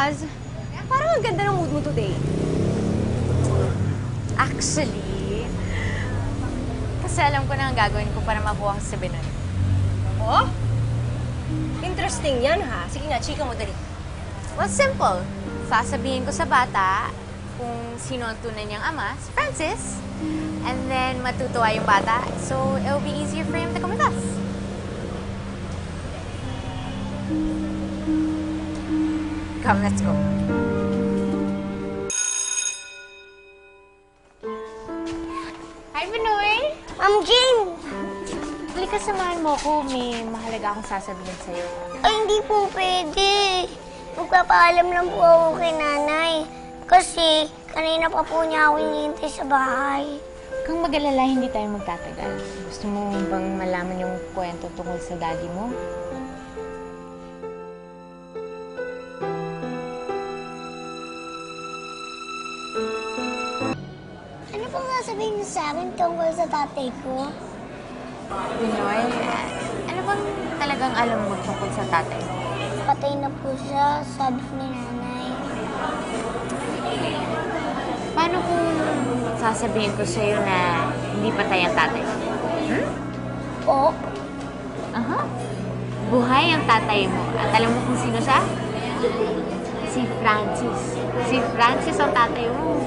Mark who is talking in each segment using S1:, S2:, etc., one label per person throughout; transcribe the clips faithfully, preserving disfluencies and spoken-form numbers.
S1: Naz, parang ang ganda ng mood mo today.
S2: Actually, kasi alam ko na ang gagawin ko para mabuha ko si Binoy.
S1: Oh? Interesting yan, ha? Sige nga, chika mo dali.
S2: Well, simple. Sasabihin ko sa bata kung sino ang tunay niyang ama, si Francis. And then, matutuwa yung bata. So, it'll be easier for him to come with us. Come, let's go. Hi, Binoy!
S3: Ma'am Jane!
S2: Halika, samahan mo ko. May mahalaga akong sasabihin sa'yo.
S3: Ay, hindi po pwede. Magpapaalam lang po ako kay nanay. Kasi kanina pa po niya ako hinihintay sa bahay.
S2: Kung mag-alala, hindi tayo magtatagal. Gusto mo bang malaman yung kwento tungkol sa daddy mo?
S3: Ano pong sasabihin niyo sa akin tungkol sa tatay ko?
S2: Binoy, ano bang talagang alam mo tungkol sa tatay mo?
S3: Patay na po siya, sabi ni nanay.
S2: Paano kung sasabihin ko sa'yo na hindi patay ang tatay mo? Hmm?
S3: Po?
S2: Aha. Buhay ang tatay mo. At alam mo kung sino siya? Si Francis. Si Francis ang tatay mo.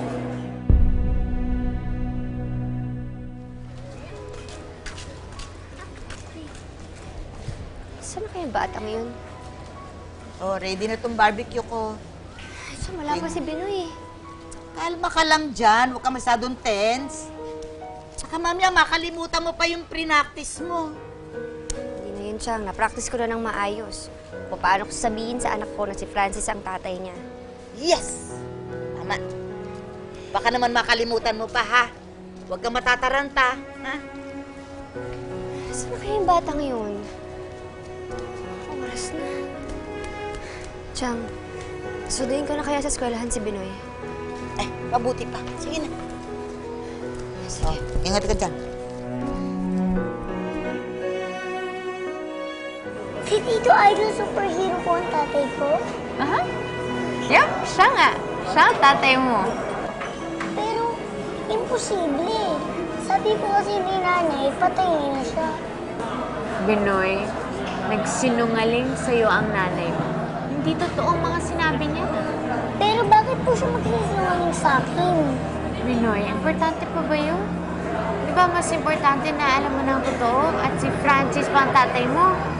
S1: Saan na kaya batang yun?
S4: Oh, ready na tong barbecue ko.
S1: Ay, so wala pa si Binoy.
S4: Kalma ka lang dyan. Huwag ka masyadong tense. Tsaka mamaya, makalimutan mo pa yung pre-practice mo.
S1: Hindi na yun, Chang. Na-practice ko na ng maayos. O paano ko sabihin sa anak ko na si Francis ang tatay niya?
S4: Yes! Tama. Baka naman makalimutan mo pa, ha? Huwag kang matataranta, ha?
S1: Saan na kaya yung batang yun? Oras na. Chang, suduin ko na kaya sa eskwelahan si Binoy.
S4: Eh, mabuti pa. Sige na.
S1: Sige.
S4: Oh, ingat ka dyan.
S3: Si Tito Idol superhero po ang tatay ko?
S2: Aha. Yup, siya nga. Siya ang tatay mo.
S3: Pero, imposible. Sabi po kasi ni nanay, patay na siya.
S2: Binoy, nagsinungaling sa'yo ang nanay mo. Hindi totoo ang mga sinabi niya.
S3: Pero bakit po siya magsisinungaling sa akin?
S2: Binoy, importante pa ba yun? Di ba mas importante na alam mo na ang totoo at si Francis pa ang tatay mo?